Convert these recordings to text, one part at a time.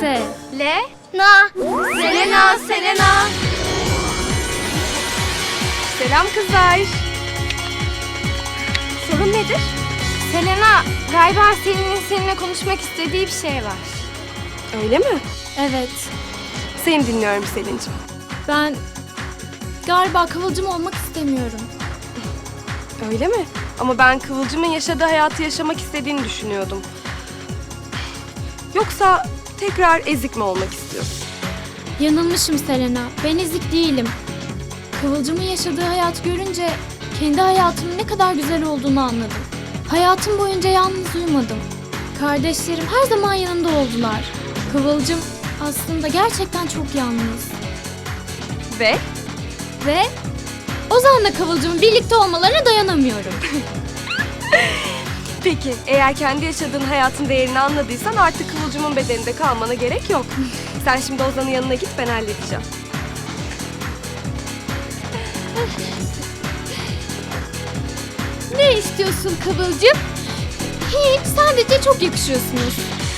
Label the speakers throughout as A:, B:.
A: Selena. Selena.
B: Selam kızlar. Sorun nedir?
A: Selena, galiba Selin'in seninle konuşmak istediği bir şey var.
B: Öyle mi?
A: Evet.
B: Seni dinliyorum Selin'cim.
A: Ben galiba Kıvılcım olmak istemiyorum.
B: Öyle mi? Ama ben Kıvılcım'ın yaşadığı hayatı yaşamak istediğini düşünüyordum. Yoksa tekrar ezik mi olmak istiyorsun?
A: Yanılmışım Selena. Ben ezik değilim. Kıvılcım'ın yaşadığı hayatı görünce kendi hayatımın ne kadar güzel olduğunu anladım. Hayatım boyunca yalnız uyumadım. Kardeşlerim her zaman yanımda oldular. Kıvılcım aslında gerçekten çok yalnız. Ve Ozan'la Kıvılcım'ın birlikte olmalarına dayanamıyorum.
B: Peki, eğer kendi yaşadığın hayatın değerini anladıysan artık Kıvılcım'ın bedeninde kalmana gerek yok. Sen şimdi Ozan'ın yanına git, ben halledeceğim.
A: Ne istiyorsun Kıvılcım? Hiç, sadece çok yakışıyorsunuz.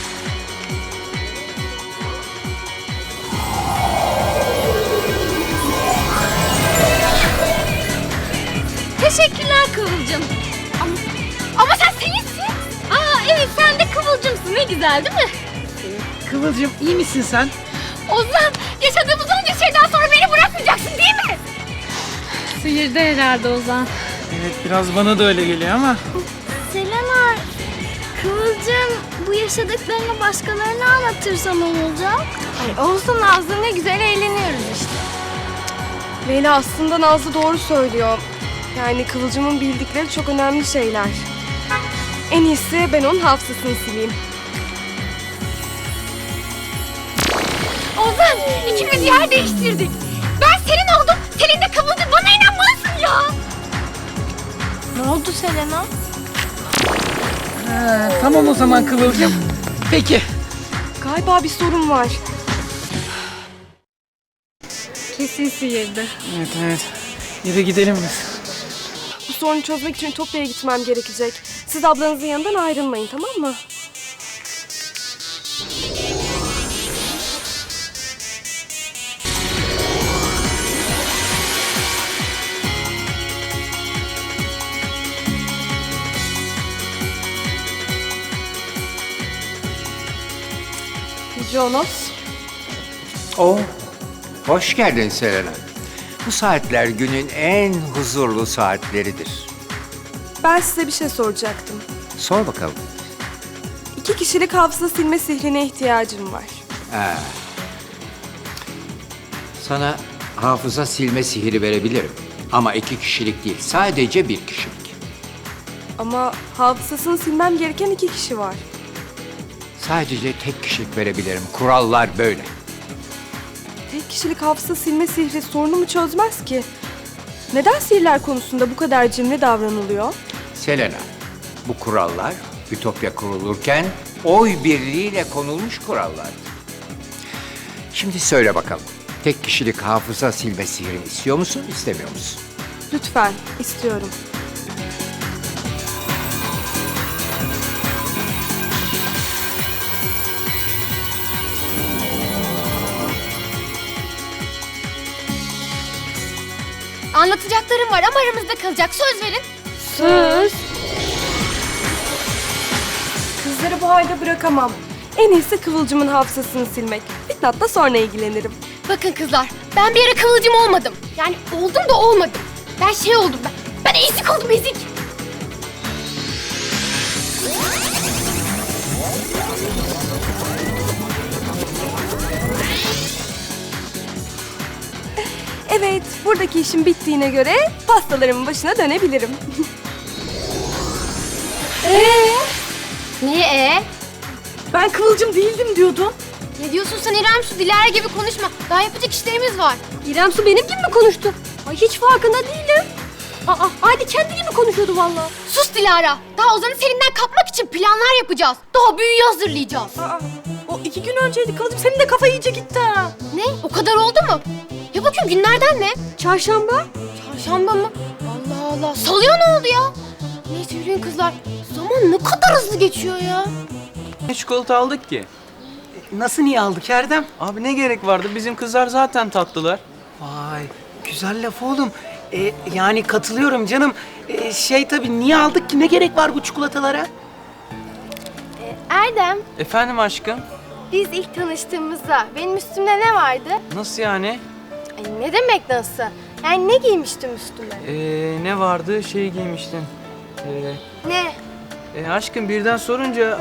A: Teşekkürler Kıvılcım. Ama sen Selin'sin. Aa evet, sen de Kıvılcımsın. Ne güzel değil mi?
C: Kıvılcım iyi misin sen?
A: Ozan, yaşadığımız onca şeyden sonra beni bırakmayacaksın değil mi? Sıyırdı herhalde Ozan.
C: Evet biraz bana da öyle geliyor ama.
D: Selena, Kıvılcım bu yaşadıklarını başkalarına anlatırsa ne olacak?
A: Ay olsun Nazlı, ne güzel eğleniyoruz işte.
B: Leyla, aslında Nazlı doğru söylüyor. Yani Kıvılcım'ın bildikleri çok önemli şeyler. En iyisi ben onun hafızasını sileyim.
A: Ozan, ikimiz yer değiştirdik. Ben senin oldum, Selin de Kıvılcım. Bana inanmalısın ya.
D: Ne oldu Selena?
C: Tamam o zaman Kıvılcım. Peki.
B: Galiba bir sorun var.
A: Kesin sıyırdı.
C: Evet. Yürü gidelim biz.
B: Bu sorunu çözmek için Ütopya'ya gitmem gerekecek. Siz ablanızın yanından ayrılmayın, tamam mı? Jonas.
E: Hoş geldin Selena. Bu saatler günün en huzurlu saatleridir.
B: Ben size bir şey soracaktım.
E: Sor bakalım.
B: 2 kişilik hafıza silme sihrine ihtiyacım var.
E: Sana hafıza silme sihiri verebilirim. Ama 2 kişilik değil, sadece 1 kişilik.
B: Ama hafızasını silmem gereken 2 kişi var.
E: Sadece tek kişilik verebilirim. Kurallar böyle.
B: Tek kişilik hafıza silme sihri sorunumu çözmez ki. Neden sihirler konusunda bu kadar cimri davranılıyor?
E: Selena, bu kurallar Ütopya kurulurken oy birliğiyle konulmuş kurallardı. Şimdi söyle bakalım. Tek kişilik hafıza silme sihirini istiyor musun, istemiyor musun?
B: Lütfen, istiyorum.
A: Anlatacaklarım var ama aramızda kalacak. Söz verin.
B: Söz. Kızları bu halde bırakamam. En iyisi Kıvılcım'ın hafızasını silmek. Fitnat'la sonra ilgilenirim.
A: Bakın kızlar, ben bir ara Kıvılcım olmadım. Yani oldum da olmadım. Ben şey oldum ben. Ben ezik oldum, ezik.
B: Evet, buradaki işim bittiğine göre pastalarımın başına dönebilirim.
A: Niye
B: Ben Kıvılcım değildim diyordun.
A: Ne diyorsun sen İrem Su? Dilara gibi konuşma. Daha yapacak işlerimiz var.
B: İrem Su benim gibi mi konuştu? Ay hiç farkında değilim. Haydi kendi gibi konuşuyordu vallahi.
A: Sus Dilara. Daha Ozan'ı Selin'den kapmak için planlar yapacağız. Daha büyüyü hazırlayacağız.
B: O 2 gün önceydi Kıvılcım. Senin de kafa iyice gitti ha.
A: Ne? O kadar oldu mu? Ya bakayım günlerden ne?
B: Çarşamba.
A: Çarşamba mı? Allah Allah. Salıya ne oldu ya? Neyse yürüyün kızlar. Zaman ne kadar hızlı geçiyor ya.
C: Ne çikolata aldık ki? Nasıl niye aldık Erdem?
F: Abi ne gerek vardı? Bizim kızlar zaten tatlılar.
C: Vay güzel laf oğlum. Yani katılıyorum canım. Tabii niye aldık ki? Ne gerek var bu çikolatalara?
D: Erdem,
F: Efendim aşkım?
D: biz ilk tanıştığımızda benim üstümde ne vardı?
F: Nasıl yani?
D: Ay, ne demek nasıl? Yani ne giymiştim üstüme?
F: Ne vardı? Şey giymiştin.
D: Ne?
F: Aşkım birden sorunca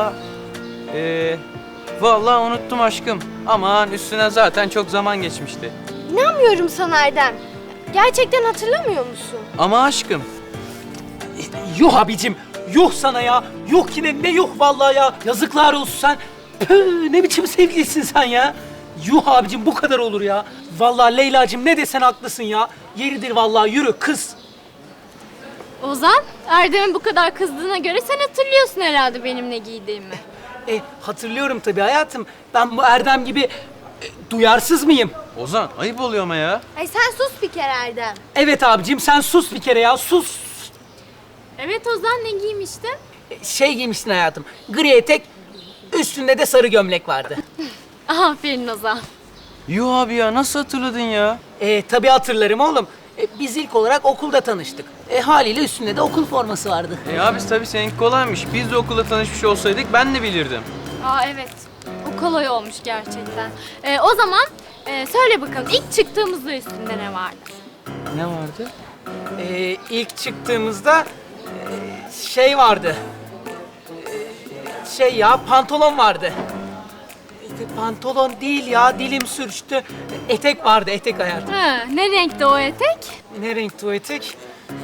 F: vallahi unuttum aşkım. Aman üstüne zaten çok zaman geçmişti.
D: İnanmıyorum sana Erdem. Gerçekten hatırlamıyor musun?
F: Ama aşkım.
C: Yuh abicim. Yuh sana ya. Yuh yine ne yuh vallahi ya. Yazıklar olsun sen. Püh, ne biçim sevgilisin sen ya. Yuh abicim bu kadar olur ya. Vallahi Leyla'cığım ne desen haklısın ya. Yeridir vallahi yürü kız.
A: Ozan, Erdem'in bu kadar kızdığına göre sen hatırlıyorsun herhalde benim ne giydiğimi.
C: Hatırlıyorum tabii hayatım. Ben bu Erdem gibi duyarsız mıyım?
F: Ozan ayıp oluyor ama ya.
D: Ay sen sus bir kere Erdem.
C: Evet abicim sen sus bir kere ya sus.
A: Evet Ozan, ne giymiştin?
C: Giymişsin hayatım. Gri etek, üstünde de sarı gömlek vardı.
A: Aferin Ozan.
F: Yuh abi ya nasıl hatırladın ya?
C: Tabii hatırlarım oğlum. Biz ilk olarak okulda tanıştık. Haliyle üstünde de okul forması vardı.
F: Abi tabii seninki kolaymış. Biz de okulda tanışmış olsaydık ben de bilirdim.
A: Aa evet, o kolay olmuş gerçekten. O zaman söyle bakalım, ilk çıktığımızda üstünde ne vardı?
F: Ne vardı?
C: İlk çıktığımızda vardı. Pantolon vardı. Pantolon değil ya, dilim sürçtü. Etek vardı, etek hayatım.
A: Ha, ne renkte o etek?
C: Ne renkti o etek?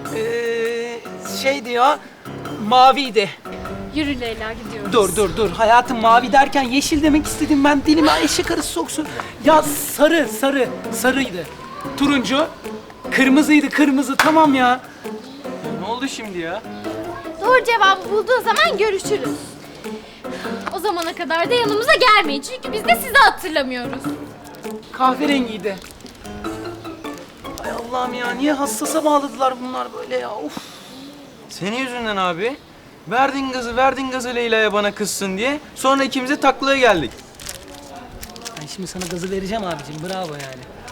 C: Ya, maviydi.
A: Yürü Leyla, gidiyoruz.
C: Dur. Hayatım mavi derken yeşil demek istedim ben. Dilime eşek arısı soksun. Ya sarıydı. Turuncu, kırmızı tamam ya.
F: Ne oldu şimdi ya?
D: Doğru cevabı bulduğun zaman görüşürüz.
A: O zamana kadar da yanımıza gelmeyin çünkü biz de sizi hatırlamıyoruz.
C: Kahverengiydi. Ay Allah'ım ya niye hassasa bağladılar bunlar böyle ya of.
F: Senin yüzünden abi. Verdin gazı Leyla'ya bana kızsın diye. Sonra ikimiz de taklaya geldik.
C: Ben şimdi sana gazı vereceğim abicim bravo yani.